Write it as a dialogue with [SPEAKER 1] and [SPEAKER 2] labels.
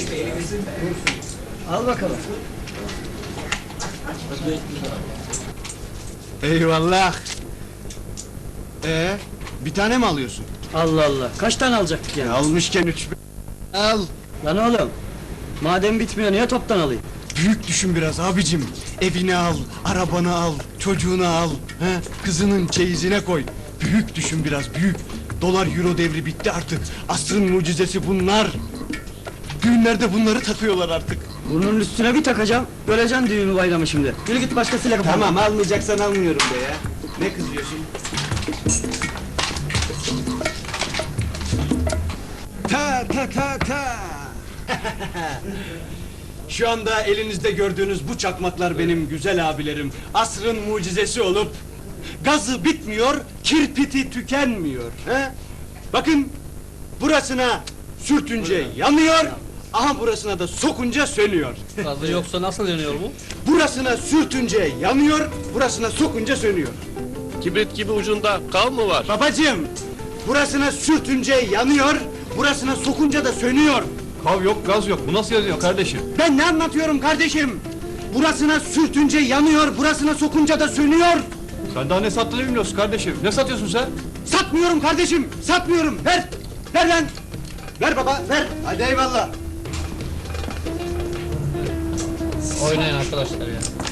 [SPEAKER 1] Al bakalım.
[SPEAKER 2] Eyvallah. Bir tane mi alıyorsun?
[SPEAKER 1] Allah Allah, kaç tane alacaktık yani?
[SPEAKER 2] Almışken 3. Al.
[SPEAKER 1] Lan oğlum, madem bitmiyor niye toptan alayım?
[SPEAKER 2] Büyük düşün biraz abicim. Evini al, arabanı al, çocuğunu al. He? Kızının çeyizine koy. Büyük düşün biraz, büyük. Dolar euro devri bitti artık. Asrın mucizesi bunlar. Düğünlerde bunları takıyorlar artık.
[SPEAKER 1] Bunun üstüne bir takacağım, göreceksin düğümü bayramı şimdi. Yürü git başkasıyla kapat.
[SPEAKER 2] Tamam, almayacaksan almıyorum de ya. Ne kızıyorsun? Ta ta ta ta! Şu anda elinizde gördüğünüz bu çakmaklar benim güzel abilerim. Asrın mucizesi olup gazı bitmiyor, kirpiti tükenmiyor. He? Bakın, burasına sürtünce yanıyor, aha burasına da sokunca sönüyor.
[SPEAKER 3] Gazı yoksa nasıl yanıyor bu?
[SPEAKER 2] Burasına sürtünce yanıyor, burasına sokunca sönüyor.
[SPEAKER 4] Kibrit gibi ucunda kav mı var?
[SPEAKER 2] Babacığım, burasına sürtünce yanıyor, burasına sokunca da sönüyor.
[SPEAKER 5] Kav yok, gaz yok. Bu nasıl yazıyor kardeşim?
[SPEAKER 2] Ben ne anlatıyorum kardeşim? Burasına sürtünce yanıyor, burasına sokunca da sönüyor.
[SPEAKER 5] Sen daha ne sattığını bilmiyorsun kardeşim. Ne satıyorsun sen?
[SPEAKER 2] Satmıyorum kardeşim, satmıyorum. Ver, ver lan. Ver baba, ver. Hadi eyvallah.
[SPEAKER 3] Oynayın arkadaşlar ya.